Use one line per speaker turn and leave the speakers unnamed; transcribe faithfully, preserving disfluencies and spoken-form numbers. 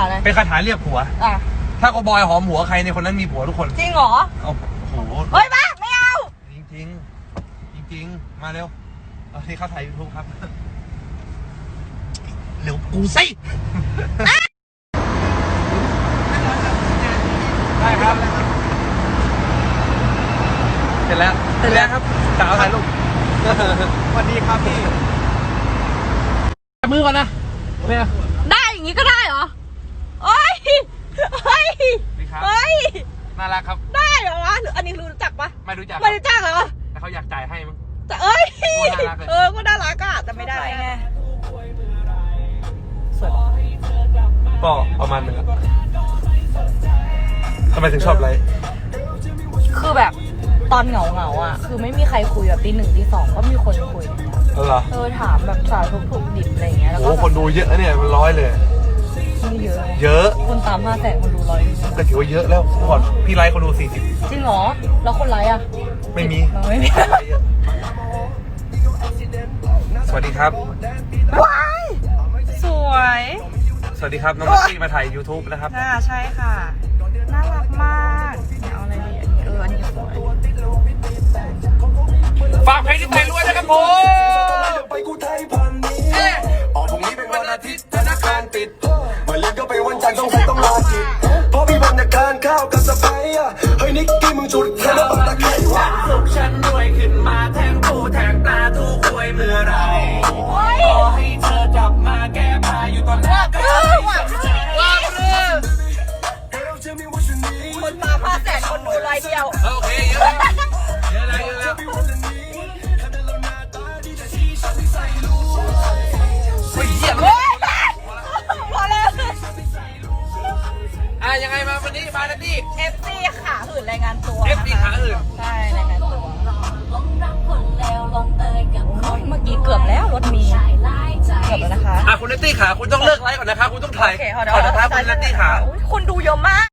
าอะไร
เป็นคาถาเรียกผัว
อ่ะ
ถ้าโกบอยหอมหัวใครในคนนั้นมีผัวทุกคน
จริงเหรอ
โอ้โห
เฮ้ยบ้าไม่เอา
จริงจริงจริงจริงมาเร็วเอาที่เข้าถ่ายยูทูบครับเร็วกูสิได้ครับเสร็จแล้วเสร็จแล้วครับสาวถ่ายรูปสวัสดีครับพี่จับมือก่อนนะเนี่ย
ได้อย่างนี้ก็ได้เหรอเฮ้ยเฮ้ยเฮ้ย
น่ารักครับ
ได้เหรอวะอันนี้รู้จักปะ
ไม่รู้จัก
ไม่รู้จักเหรอ
แต่เขาอยากจ่ายให้มั้ง
แต่เอ้ยเออก็น่ารักอะแต่ไม่ได้ไงสวย
ก็ประมาณนึงทำไมถึงชอบไลฟ์
คือแบบตอนเหงาเหงาอ่ะคือไม่มีใครคุยแบบตีหนึ่งตีสองก็มีคนคุย
เออเหรอ
เออถามแบบสารทุกถูกดิบอะไรเงี้ยแล้วก็
คนดูเยอะเนี่ยมันร้อยเลย
ไม่เยอะ
เยอะ
คนตามห้าแสนคนดูร้อย
ก็ถือว่าเยอะแล้วก่อนพี่ไลฟ์คนดูสี่สิบ
จริงเหรอแล้วคนไลฟ์อ่ะ
ไม่มี
ไม่มี
สวัสดีครับ
ว้ายสวย
สวัสดีครับน้องนัตตี้มาถ่าย YouTube นะครับ
อ่าใช่ค่ะน่ารักมากเอาอะไรดีอันนี้เอออันนี้สวย
ฝากเพลงที่ไทยรวยนะครับผม
ไปกูไทยพันนี้ออกพรุ่งนี้เป็นวันอาทิตย์ธนาคารปิดมาเรียนก็ไปวันจันทร์ต้องใส่ต้องลาจิตเพราะมีวันในการข้าวกับสะพ้ายอ่ะเฮ้ยนิกกี้มึงจุดแค่น้ำตาไข่หวานสุขฉันรวยขึ้นมาแทงปูแทงตาทุกควยเมื่อไรขอให้เธอกลับมาแก้ผ้าอยู่ตอนแรกก็ได้
ว้าวเลย
คนตามห้าแสนคนดูไลฟ์เดียว
โอเคเยอะเยอะแล้วเยอะแล้วเฮ้ยเยี่ยมเลย
พอแล้ว
อ่ะยังไงมาวันนี้มาแล้วนี่
เอฟซีขาหื่นรายงานตัว
เอฟซีขาหื่น
ใช่รายงานตัวเมื่อกี้เกือบแล้วรถมีเกือบแล้วนะคะ
อ่ะคุณนัตตี้ขาคุณต้องเลิกไลฟ์ก่อนนะคะคุณต้องถ่ายก่อนนะคะคุณนัตตี้ขา
คนดูเยอะมาก